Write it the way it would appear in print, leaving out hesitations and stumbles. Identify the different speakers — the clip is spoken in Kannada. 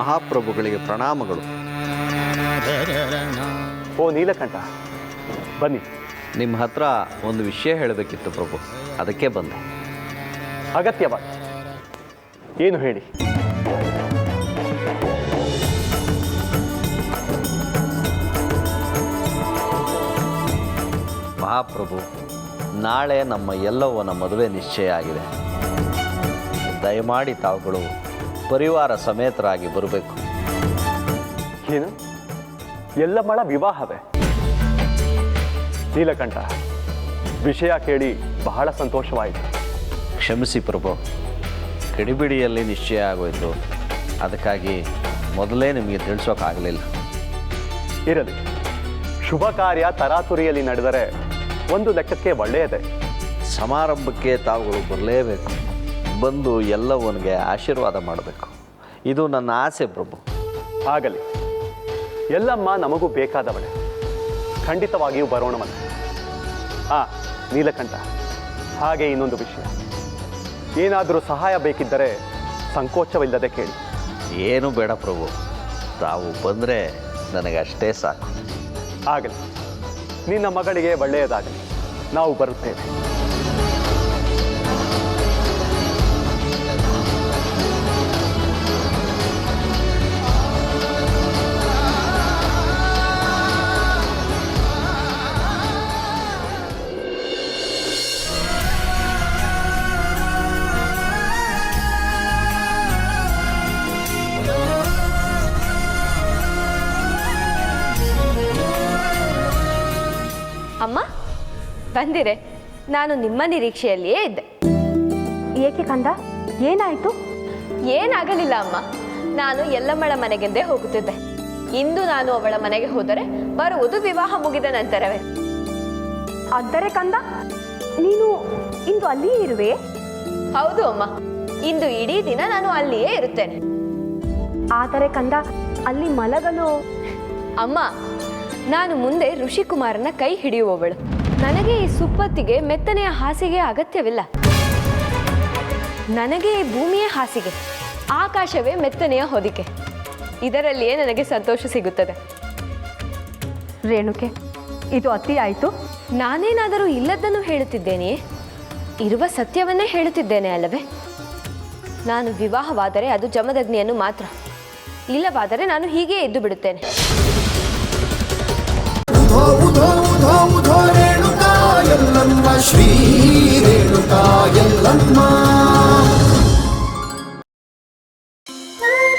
Speaker 1: ಮಹಾಪ್ರಭುಗಳಿಗೆ ಪ್ರಣಾಮಗಳು.
Speaker 2: ಓ ನೀಲಕಂಠ, ಬನ್ನಿ.
Speaker 1: ನಿಮ್ಮ ಹತ್ರ ಒಂದು ವಿಷಯ ಹೇಳಬೇಕಿತ್ತು ಪ್ರಭು, ಅದಕ್ಕೆ ಬಂದೆ.
Speaker 2: ಅಗತ್ಯವಾಗಿ ಏನು ಹೇಳಿ.
Speaker 1: ಮಹಾಪ್ರಭು, ನಾಳೆ ನಮ್ಮ ಎಲ್ಲವನ ಮದುವೆ ನಿಶ್ಚಯ ಆಗಿದೆ. ದಯಮಾಡಿ ತಾವುಗಳು ಪರಿವಾರ ಸಮೇತರಾಗಿ ಬರಬೇಕು.
Speaker 2: ಏನು, ಎಲ್ಲಮ್ಮಳ ವಿವಾಹವೇ? ನೀಲಕಂಠ, ವಿಷಯ ಕೇಳಿ ಬಹಳ ಸಂತೋಷವಾಯಿತು.
Speaker 1: ಕ್ಷಮಿಸಿ ಪ್ರಭು, ಕಿಡಿಬಿಡಿಯಲ್ಲಿ ನಿಶ್ಚಯ ಆಗೋಯಿತು. ಅದಕ್ಕಾಗಿ ಮೊದಲೇ ನಿಮಗೆ ತಿಳಿಸೋಕ್ಕಾಗಲಿಲ್ಲ.
Speaker 2: ಇರಲಿ, ಶುಭ ಕಾರ್ಯ ತರಾತುರಿಯಲ್ಲಿ ನಡೆದರೆ ಒಂದು ಲೆಕ್ಕಕ್ಕೆ ಒಳ್ಳೆಯದೇ.
Speaker 1: ಸಮಾರಂಭಕ್ಕೆ ತಾವುಗಳು ಬರಲೇಬೇಕು. ಬಂದು ಎಲ್ಲವನಿಗೆ ಆಶೀರ್ವಾದ ಮಾಡಬೇಕು. ಇದು ನನ್ನ ಆಸೆ ಪ್ರಭು.
Speaker 2: ಆಗಲಿ, ಎಲ್ಲಮ್ಮ ನಮಗೂ ಬೇಕಾದವಳೆ. ಖಂಡಿತವಾಗಿಯೂ ಬರೋಣವಲ್ಲ. ನೀಲಕಂಠ, ಹಾಗೆ ಇನ್ನೊಂದು ವಿಷಯ, ಏನಾದರೂ ಸಹಾಯ ಬೇಕಿದ್ದರೆ ಸಂಕೋಚವಿಲ್ಲದೆ ಕೇಳಿ.
Speaker 1: ಏನು ಬೇಡ ಪ್ರಭು, ತಾವು ಬಂದರೆ ನನಗಷ್ಟೇ ಸಾಕು.
Speaker 2: ಆಗಲಿ, ನಿನ್ನ ಮಗಳಿಗೆ ಒಳ್ಳೆಯದಾಗಲಿ. ನಾವು ಬರುತ್ತೇವೆ.
Speaker 3: ಅಮ್ಮ ಬಂದಿರೆ. ನಾನು ನಿಮ್ಮ ನಿರೀಕ್ಷೆಯಲ್ಲಿಯೇ ಇದ್ದೆ.
Speaker 4: ಏಕೆ ಕಂದ, ಏನಾಯಿತು?
Speaker 3: ಏನಾಗಲಿಲ್ಲ ಅಮ್ಮ, ನಾನು ಎಲ್ಲಮ್ಮಳ ಮನೆಗೆಂದೇ ಹೋಗುತ್ತಿದ್ದೆ. ಇಂದು ನಾನು ಅವಳ ಮನೆಗೆ ಹೋದರೆ ಬರುವುದು ವಿವಾಹ ಮುಗಿದ ನಂತರವೇ.
Speaker 4: ಅಂದರೆ ಕಂದ, ನೀನು ಇಂದು ಅಲ್ಲಿಯೇ ಇರುವೆ?
Speaker 3: ಹೌದು ಅಮ್ಮ, ಇಂದು ಇಡೀ ದಿನ ನಾನು ಅಲ್ಲಿಯೇ ಇರುತ್ತೇನೆ.
Speaker 4: ಆದರೆ ಕಂದ, ಅಲ್ಲಿ ಮಲಗಲು...
Speaker 3: ಅಮ್ಮ, ನಾನು ಮುಂದೆ ಋಷಿಕುಮಾರನ ಕೈ ಹಿಡಿಯುವವಳು. ನನಗೆ ಈ ಸುಪ್ಪತ್ತಿಗೆ ಮೆತ್ತನೆಯ ಹಾಸಿಗೆ ಅಗತ್ಯವಿಲ್ಲ. ನನಗೆ ಈ ಭೂಮಿಯೇ ಹಾಸಿಗೆ, ಆಕಾಶವೇ ಮೆತ್ತನೆಯ ಹೊದಿಕೆ. ಇದರಲ್ಲಿಯೇ ನನಗೆ ಸಂತೋಷ ಸಿಗುತ್ತದೆ.
Speaker 4: ರೇಣುಕೆ, ಇದು ಅತಿ ಆಯಿತು.
Speaker 3: ನಾನೇನಾದರೂ ಇಲ್ಲದನ್ನು ಹೇಳುತ್ತಿದ್ದೇನೆಯೇ? ಇರುವ ಸತ್ಯವನ್ನೇ ಹೇಳುತ್ತಿದ್ದೇನೆ ಅಲ್ಲವೇ? ನಾನು ವಿವಾಹವಾದರೆ ಅದು ಜಮದಗ್ನಿಯನ್ನು ಮಾತ್ರ. ಇಲ್ಲವಾದರೆ ನಾನು ಹೀಗೆ ಎದ್ದು ಬಿಡುತ್ತೇನೆ.
Speaker 5: ರೇಣುಕಾ ಯಲ್ಲಮ್ಮ, ಶ್ರೀ ರೇಣುಕಾ ಯಲ್ಲಮ್ಮ.